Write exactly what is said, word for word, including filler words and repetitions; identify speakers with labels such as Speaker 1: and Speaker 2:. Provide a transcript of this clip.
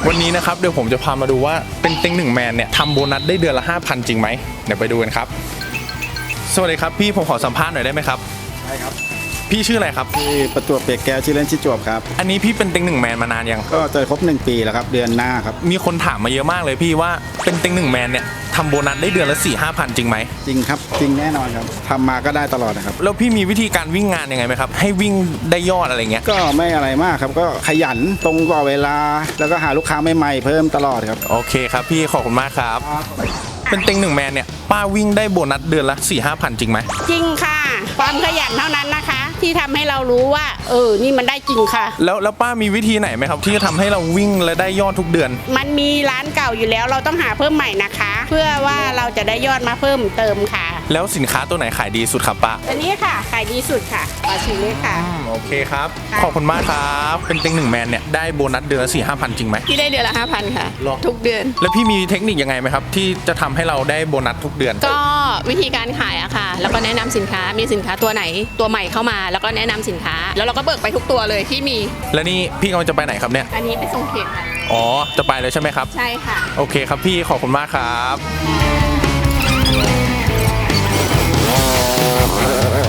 Speaker 1: วันนี้นะครับเดี๋ยวผมจะพามาดูว่าเป็นเต็งหนึ่งแมนเนี่ยทำโบนัสได้เดือนละ ห้าพัน จริงไหมเดี๋ยวไปดูกันครับสวัสดีครับพี่ผมขอสัมภาษณ์หน่อยได้ไหมครับ
Speaker 2: ใช่ครับ
Speaker 1: พี่ชื่ออะไรครับ
Speaker 2: ที่ประจวบเปียกแก้วชื่อเล่นชื่อจวบครับ
Speaker 1: อันนี้พี่เป็นเต็งหนึ่งแมนมานานยัง
Speaker 2: ก็จะครบหนึ่งปีแล้วครับเดือนหน้าครับ
Speaker 1: มีคนถามมาเยอะมากเลยพี่ว่าเป็นเต็งหนึ่งแมนเนี่ยทำโบนัสได้เดือนละสี่ห้าพันจริงไหม
Speaker 2: จริงครับจริงแน่นอนครับทำมาก็ได้ตลอดนะครับ
Speaker 1: แล้วพี่มีวิธีการวิ่งงานยังไงไหมครับให้วิ่งได้ยอดอะไรเงี้ย
Speaker 2: ก็ไม่อะไรมากครับก็ขยันตรงต่อเวลาแล้วก็หาลูกค้าใหม่ๆเพิ่มตลอดครับ
Speaker 1: โอเคครับพี่ขอบคุณมากครับเป็นเต็งหนึ่งแมนเนี่ยป้าวิ่งได้โบนัสเดือนละสี่ห้าพันจริงไหม
Speaker 3: จริงค่ะความขยันเท่านั้นนะคะที่ทำให้เรารู้ว่าเออนี่มันได้จริงค่ะ
Speaker 1: แล้วแล้วป้ามีวิธีไหนไหมครับที่จะทำให้เราวิ่งและได้ยอดทุกเดือน
Speaker 3: มันมีร้านเก่าอยู่แล้วเราต้องหาเพิ่มใหม่นะคะ เพื่อว่าเราจะได้ยอดมาเพิ่มเติมค่ะ
Speaker 1: แล้วสินค้าตัวไหนขายดีสุดครับป้า
Speaker 3: อันนี้ค่ะขายดีสุดค่ะปลาชิเล่ค่ะ
Speaker 1: โอเคครับขอบคุณมากครับเป็นเต็งหนึ่งแมนเนี่ยได้โบนัสเดือนละสี่ห้าพันจริงไหม
Speaker 4: พี่ได้เดือนละห้าพันค่ะทุกเดือน
Speaker 1: แล้วพี่มีเทคนิคยังไงไหมครับที่จะทำให้เราได้โบนัสทุกเดือน
Speaker 4: ก็วิธีการขายอะค่ะแล้วก็แนะนำสินค้ามีสินค้าตัวไหนตัวใหม่เข้ามาแล้วก็แนะนำสินค้าแล้วเราก็เบิกไปทุกตัวเลยที่มี
Speaker 1: แล้วนี่พี่กำลังจะไปไหนครับเนี่ย
Speaker 4: อันนี้ไปส่งเขตค่ะ
Speaker 1: อ๋อจะไปเลยใช่ไหมครับ
Speaker 4: ใช่ค่ะ
Speaker 1: โอเคครับพี่ขอบคุณมากครับ